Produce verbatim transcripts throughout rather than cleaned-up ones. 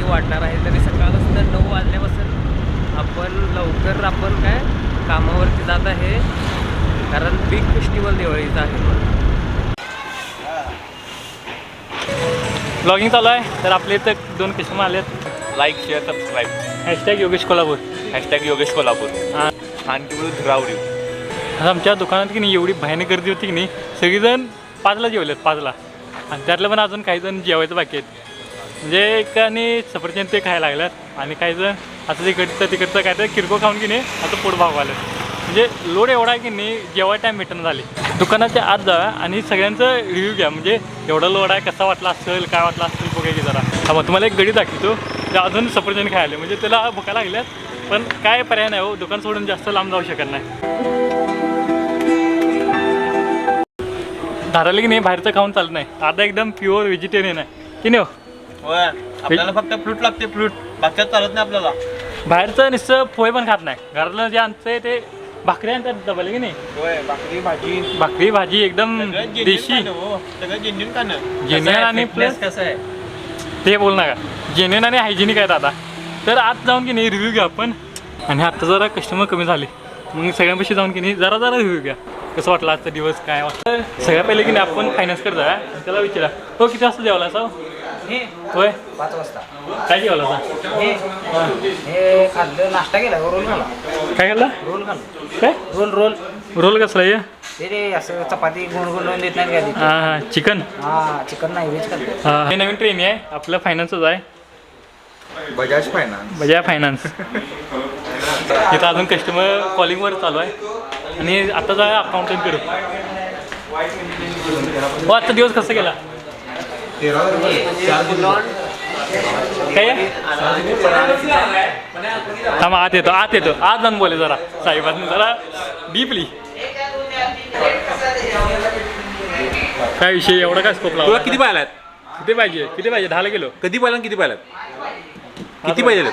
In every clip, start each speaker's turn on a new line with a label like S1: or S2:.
S1: किती वाढणार आहे. तरी सकाळपासून नऊ वाजल्यापासून आपण लवकर आपण काय कामावरती जात आहे, कारण बिग फेस्टिवल दिवाळीचा आहे.
S2: ब्लॉगिंग चालू आहे. तर आपले इथं दोन कस्टमर आलेत.
S3: Like share subscribe.
S2: Hashtag Yogesh Kolhapur.
S3: Hashtag Yogesh Kolhapur.
S2: हां,
S3: आणखी बोलू रावडी.
S2: आता आमच्या दुकानात की नाही एवढी भयानक गर्दी होती की नाही, सगळीजण पाचला जेवलेत पाचला, आणि त्यातलं पण अजून काही जण जेवायचं बाकी आहेत. म्हणजे एकाने सफरचंद ते खायला लागल्यात आणि काही जण आता तिकडचं तिकडचं काय तर किरकोळ खाऊन की नाही आता पोट भागवायला. म्हणजे लोड एवढा आहे की नाही जेव्हा टाईम भेटणं झाले. दुकानाच्या आत जा आणि सगळ्यांचं रिव्ह्यू घ्या. म्हणजे एवढा लोड आहे, कसा वाटला असेल, काय वाटला असेल बघा की जरा. हा मग तुम्हाला एक गडी दाखवतो जे अजून सफरचंद खायला, म्हणजे त्याला भुका लागल्यात, पण काय पर्याय नाही हो, दुकान सोडून जास्त लांब जाऊ शकत नाही. धाराला की नाही बाहेरचं खाऊन चालत नाही. आता एकदम प्युअर व्हेजिटेरियन आहे की नाही हो.
S3: आपल्याला फक्त फ्रूट लागते, फ्रूट बाकीच चालत नाही आपल्याला.
S2: बाहेरचं नुसतं पोहे पण खात नाही. घरातलं जे आणतंय ते भाकरी आणतात डबल की नाही.
S3: भाकरी भाजी
S2: भाकरी भाजी एकदम देशी,
S3: सगळं जेन्युइन खाणं.
S2: जेन्युइन आणि प्लस
S1: कसं आहे
S2: ते बोल नका, जेन्युइन आणि हायजेनिक आहेत. आता तर आत जाऊन की नाही रिव्ह्यू घ्या आपण. आणि आता जरा कस्टमर कमी झाले, मग सगळ्यांपाशी जाऊन की नाही जरा जरा रिव्ह्यू घ्या. कसं वाटलं आजचा दिवस, काय वाटतं. सगळ्या पहिले की नाही आपण फायनान्स करतो आहे, त्याला विचारा हो किती वाजता जेवला असा होय.
S4: पाच वाजता
S2: काय जेवला असा
S4: हे हे खाल्लं, नाश्ता केला, रोल खाल्ला.
S2: काय खाल्ला
S4: रोल खाल्ला.
S2: काय
S4: रोल रोल
S2: रोल कसला आहे.
S4: ते रे असं चपाती गुण गुण देत नाही का.
S2: हां हां चिकन.
S4: हा चिकन नाही, व्हेज खाल्लं.
S2: हां हे नवीन ट्रेन आहे आपलं, फायनान्सच आहे,
S3: बजाज फायनान्स.
S2: बजाज फायनान्स. इथं अजून कस्टमर कॉलिंगवर चालू आहे आणि आता जा अकाउंटिंग करू. हो आजचा दिवस कसं गेला काय थांबा आत येतो आत येतो आत जाऊन बोले जरा साहेबांनी जरा डीपली. काय विषय एवढा काय स्कोप
S3: तुला
S2: लावला.
S3: किती पाहिलात?
S2: किती पाहिजे किती पाहिजे दहाला किलो
S3: कधी पाहिला किती पाहिलात? किती पाहिजे?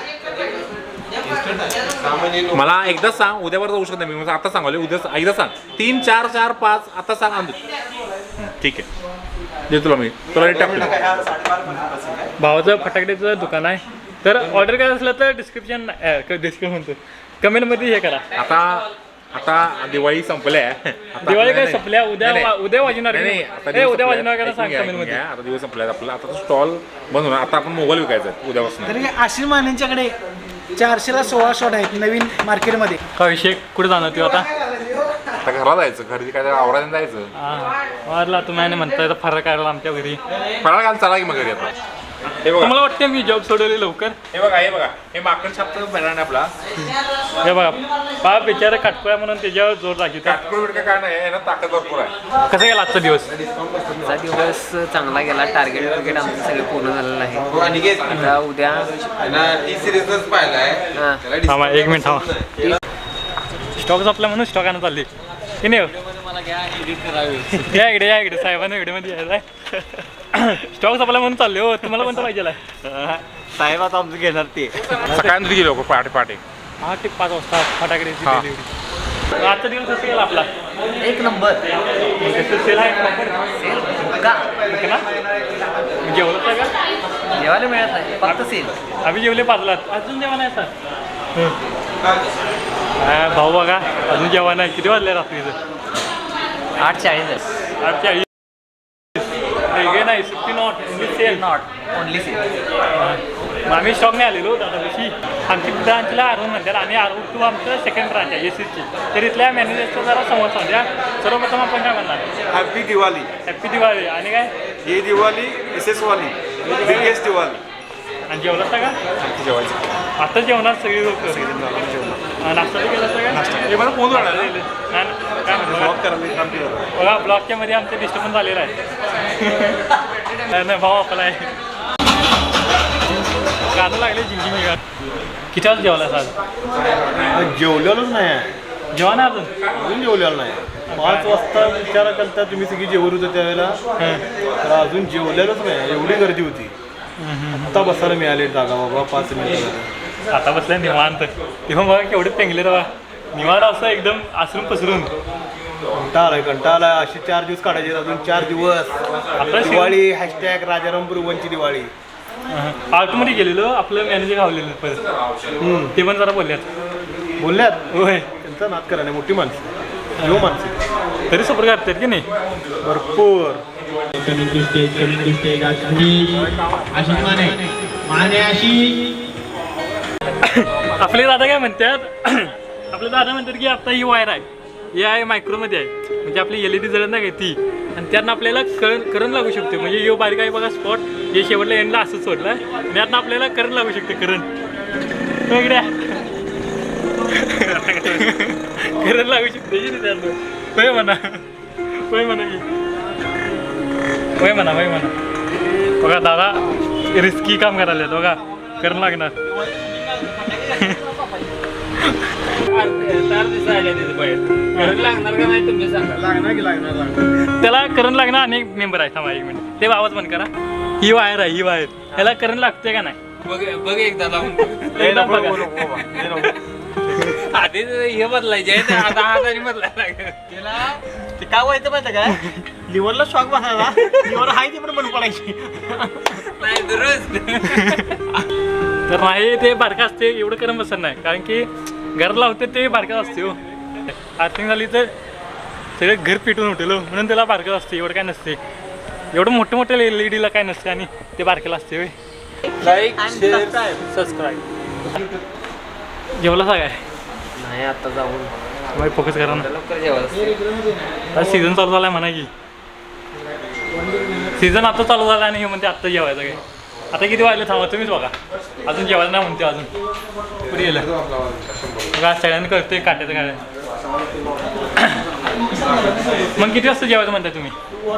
S3: मला एकदाच सांग, उद्यावर जाऊ शकत नाही मी. आता सांगाले उद्या एकदा सांग. तीन चार चार पाच आता सांग. आणतो ठीक आहे, देतो तुला मी. तुला टाकतो.
S2: भावाचं फटाकड्याचं दुकान आहे. तर ऑर्डर करायचं असलं तर डिस्क्रिप्शन डिस्क्रिप्शन म्हणतो कमेंटमध्ये हे करा.
S3: आता आता दिवाळी संपल्या.
S2: दिवाळी काय संपल्या, उद्या उद्या वाजणार
S3: नाही
S2: ए, उद्या वाजणार का सांग कमेंटमध्ये.
S3: आता दिवस संपल्या आपला. आता स्टॉल बंद होणार. आता आपण मोबाईल विकायचा उद्यापासून.
S5: तरी आशिष मानेंच्याकडे चारशेला सोळा शॉट आहेत नवीन मार्केटमध्ये.
S2: का विषय कुठे जाणार तू आता.
S3: आता घरात जायचं, घरी काय आवरायला जायचं.
S2: हां वारला तुम्ही आणि म्हणताय तर फरक काढला आमच्या घरी.
S3: फराळ घाल चला की मग घरी. आता हे बघा,
S2: मला वाटतं मी जॉब सोडवले लवकर.
S3: हे बघा, हे बघा, हे माकड छापचं बॅनर आहे आपला.
S2: हे बघा बाप बिचारा काटकोया म्हणून त्याच्यावर जोर लागतो.
S3: काटकोळ बिटका काय नाही, यानं ताकद भरपूर आहे.
S2: कसं गेला आजचा दिवस.
S1: आजचा दिवस चांगला गेला. टार्गेट टार्गेट आमचं सगळं पूर्ण झालेलं आहे. आता उद्या हां
S2: थांबा एक मिनिट थांबा. स्टॉक संपला म्हणून स्टॉक आणत चालली की नाही.
S1: मला घ्या एडिट करावी.
S2: या इकडे या इकडे साहेबांना इकडेमध्ये यायला आहे. स्टॉक संपला म्हणून चालले हो. तुम्हाला कोणतं पाहिजे
S1: साहेब आता आमचं घेणार ते.
S3: सकाळी गेली लोक पहाटे पहाटे
S2: आठ ते पाच वाजता फटाकड्याची
S3: हां.
S2: डिलिव्हरी. आजचा दिवस कसं गेला आपला.
S1: एक नंबर
S2: कसं सेल आहे
S1: का
S2: ना जेवलं का
S1: जेवायला मिळत नाही, फक्त सेल.
S2: आम्ही जेवले पाचला, अजून जेवण आहे सर. हा भाऊ बघा अजून जेवण आहे. किती वाजले रात्रीचं.
S1: आठ चाळीस
S2: आठ चाळीस. वेगळे नाही sixty not only sale
S1: not only sale.
S2: मग आम्ही स्टॉक नाही आलेलो दादा दिवशी. आमची ब्रांचला आरवून म्हणतात आणि आरवू टू आमचं सेकंड ब्रांच आहे एस एसची. तर इथल्या मॅनेजरचा जरा संवाद सांगूया. सर्वप्रथम आपण काय म्हणणार.
S6: हॅपी दिवाळी.
S2: हॅप्पी दिवाळी. आणि काय
S6: ही दिवाळी एस एस वाली बिगेस्ट दिवाळी.
S2: आणि जेवलं असता का
S6: जेवायचं
S2: आता जेवणार सगळी लोक. नाश्ता केला असता का.
S3: हे मला फोन राहणार.
S2: काय म्हणतो बघा ब्लॉकच्या मध्ये आमचं डिस्टर्बन्स झालेलं आहे. नाही भाऊ आपला आहे गाणं लागले जिंकी मी. किती वाजता जेवला आज.
S6: जेवलेलोच नाही.
S2: जेव्हा ना अजून
S6: अजून जेवलेलं नाही. पाच वाजता विचार करता तुम्ही सगळी जेवत होते त्यावेळेला, तर अजून जेवलेलोच नाही. एवढी गर्दी होती. आता बसायला मिळाले जागा बाबा पाच मिनिट.
S2: आता बसलाय निवांत. तेव्हा बघा केवढे पेंगले रवा निवांत असं एकदम आसरून पसरून.
S6: कंटाळा आलाय कंटाळा आलाय. असे चार दिवस काढायचे, अजून चार दिवस.
S2: आता
S6: दिवाळी हॅशटॅग राजारामपूर वनची दिवाळी.
S2: आउटमध्ये गेलेलो आपलं मॅनेजर गावलेलं परत ते पण जरा बोलल्यात
S6: बोलल्यात
S2: होय
S6: त्यांचा नाद करा नाही मोठी माणसं यो माणसं
S2: तरी सपोर्ट करतात की नाही
S6: भरपूर
S2: आपले दादा काय म्हणतात आपले दादा म्हणतात की आता ही वायर आहे ही आहे मायक्रोमध्ये आहे म्हणजे आपली एल ई डी जळत नाही का ती आणि त्यातनं आपल्याला करंट करंट लागू शकते म्हणजे यो बारीक आहे बघा स्पॉट हे शेवटला एंडला असंच सोडलं आणि त्यातनं आपल्याला करंट लागू शकते करंट वेगळ्या करंट लागू शकते की नाही त्यातनं होय म्हणा होय म्हणा की होय म्हणा होय म्हणा बघा दादा रिस्की काम करायला बघा करंट लागणार
S1: लागणार का नाही तुम्ही सांगा.
S6: लागणार की लागणार लागणार
S2: त्याला करंट लागणार अनेक मेंबर आहेत थांबा एक मिनिट ते आवाज बंद करा ही वायर आहे ही वायर ह्याला करंट लागते का नाही
S1: बघ बघ एकदा लावून
S2: एकदा बघा.
S1: आधी हे बदलायचे आहे, ते आता हाताने बदलायला लागेल.
S5: ते काय व्हायचं माहिती काय लिव्हरला शॉक बसायला लिव्हर हाय ती पण बंद पडायची
S1: नाही दुरुस्त.
S2: तर नाही ते बारका असते एवढं करंट बसत नाही कारण की घर लावते ते बारकाच असते हो आर्थिंग झाली तर सगळं घर पिटून उठेल म्हणून त्याला बारकाच असते एवढं काय नसते एवढं मोठं मोठ्या एल ई डीला काय नसते आणि ते बारकेला असते होय
S1: लाईक
S2: सबस्क्राईब जेवला काय
S1: नाही आता जाऊन
S2: बाई फोकस करा ना
S1: लवकर जेवायला.
S2: आता सीझन चालू झाला आहे म्हणा की सीझन आता चालू झाला आणि हे म्हणते आत्ता जेवायचं काय आता किती वाजले थांबा तुम्हीच बघा अजून जेवायला नाही म्हणते अजून पुढे गेलं बघा सगळ्यांनी करतोय काट्याचं काय मग किती वाजता जेवायचं म्हणताय तुम्ही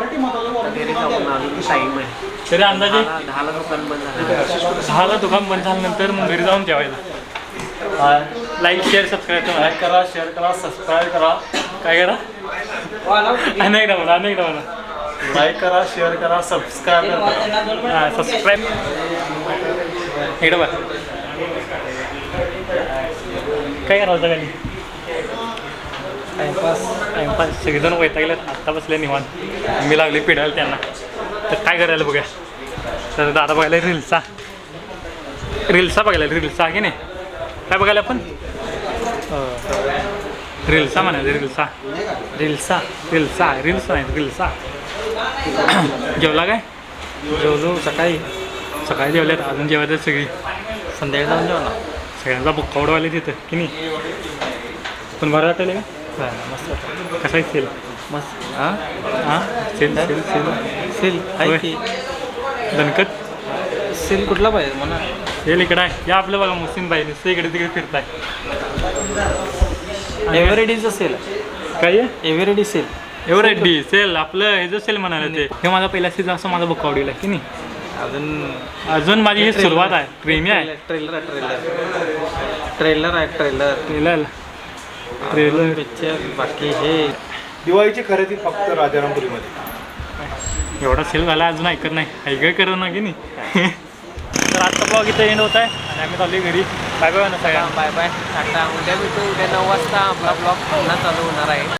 S1: टाईम आहे
S2: तरी अंदाजे
S1: दहाला दुकान बंद झालं.
S2: दहाला दुकान बंद झाल्यानंतर मग घरी जाऊन जेवायचं लाईक शेअर सबस्क्राईब करा
S6: करा शेअर करा सबस्क्राईब करा
S2: काय करा अनेकदा म्हणा अनेकदा म्हणा
S6: लाईक करा शेअर करा सबस्क्राईब करा
S2: हां सबस्क्राईब इकडं बघ काय करायचं खाली टाइमपास टाइमपास सगळेजण वैतागलेत आत्ता बसले निवांत मी लागले पिढायला त्यांना तर काय करायला बघा तर दादा बघायला रील्सा रील्सा बघायला रील्सा की नाही काय बघायला आपण रील्सा म्हणायचं रील्सा रील्सा रील्सा रील्स नाही रील्सा जेवला काय जेवलो सकाळी सकाळी जेवल्यात अजून जेवायचं सगळी संध्याकाळी जाऊन जेवला सगळ्यांचा बुक्का उडवायला तिथं की नाही पण बरं वाटलं का मस्त कसं आहे सेल
S1: मस्त हां
S2: हां सेल सेल सेल
S1: सेल आहे की
S2: दणकट
S1: सेल कुठला पाहिजे म्हणा
S2: सेल इकडं आहे या आपलं बघा मुस्लिम बाई नुसतं इकडे तिकडे फिरताय
S1: एव्हरेडीचं सेल
S2: काय आहे
S1: एव्हरेडी सेल
S2: एव्हरेडी सेल आपलं हे जर सेल म्हणाले ते हे माझा पहिला सीझन असं माझा बुक्का आवडीला की नाही
S1: अजून
S2: अजून माझी ही सुरुवात आहे प्रेमी आहे
S1: ट्रेलर आहे ट्रेलर ट्रेलर आहे ट्रेलर
S2: ट्रेलर ट्रेलर
S1: पिक्चर बाकी हे
S6: दिवाळीची खरेदी फक्त राजारामपुरीमध्ये
S2: एवढा सेल झाला अजून ऐकत नाही ऐकाय करत ना की नाही तर आजचा ब्लॉग इथं एंड होत आहे आणि आम्ही चालू घरी बाय बाय ना सगळ्या
S1: बाय बाय टाटा उद्या भेटू उद्या नऊ वाजता आपला ब्लॉग पुन्हा चालू होणार आहे.